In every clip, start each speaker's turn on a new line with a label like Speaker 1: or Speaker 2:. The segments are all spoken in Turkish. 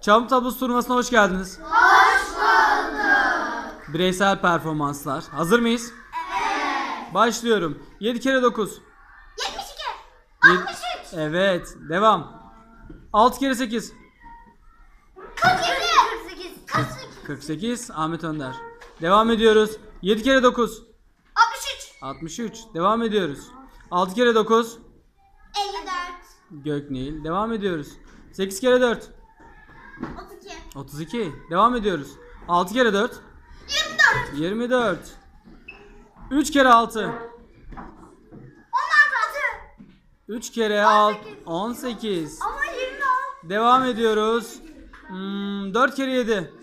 Speaker 1: Çam Tablosu turnuvasına hoş geldiniz.
Speaker 2: Hoş bulduk.
Speaker 1: Bireysel performanslar. Hazır mıyız?
Speaker 2: Evet.
Speaker 1: Başlıyorum. 7 kere 9.
Speaker 2: 72. 63.
Speaker 1: Evet. Devam. 6 kere 8.
Speaker 2: 47. 48.
Speaker 1: 48. Ahmet Önder. Devam ediyoruz. 7 kere 9.
Speaker 2: 63.
Speaker 1: 63. Devam ediyoruz. 6 kere 9.
Speaker 2: 54.
Speaker 1: Göknil. Devam ediyoruz. 8 kere 4.
Speaker 2: 32.
Speaker 1: 32. Devam ediyoruz. 6 kere 4.
Speaker 2: 24.
Speaker 1: 24. 3 kere 6.
Speaker 2: 16.
Speaker 1: 3 kere 6. 18.
Speaker 2: Ama 26.
Speaker 1: Devam ediyoruz. 4 kere 7.
Speaker 2: 27.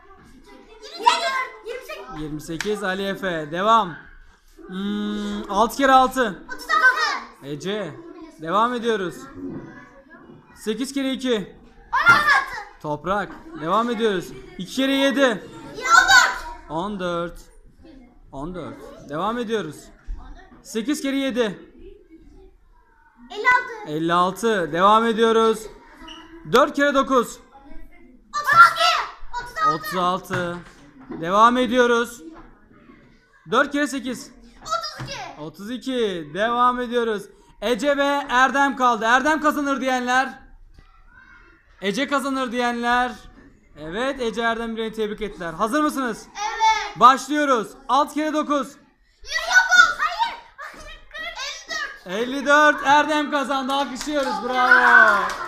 Speaker 2: 28.
Speaker 1: 28. Ali Efe. Devam. 6 kere 6.
Speaker 2: 36.
Speaker 1: Ece. Devam ediyoruz. 8 kere 2.
Speaker 2: 16.
Speaker 1: Toprak. Devam ediyoruz. 2 kere 7.
Speaker 2: 14.
Speaker 1: 14. 14. Devam ediyoruz. 8 kere 7.
Speaker 2: 56.
Speaker 1: 56. Devam ediyoruz. 4 kere 9.
Speaker 2: 32.
Speaker 1: 36. Devam ediyoruz. 4 kere 8.
Speaker 2: 32.
Speaker 1: 32. Devam ediyoruz. Ece ve Erdem kaldı. Erdem kazanır diyenler. Ece kazanır diyenler. Evet, Ece Erdem birini tebrik ettiler. Hazır mısınız?
Speaker 2: Evet.
Speaker 1: Başlıyoruz. 6 kere 9.
Speaker 2: 109. Hayır. 54.
Speaker 1: 54. Erdem kazandı. Alkışlıyoruz. Bravo.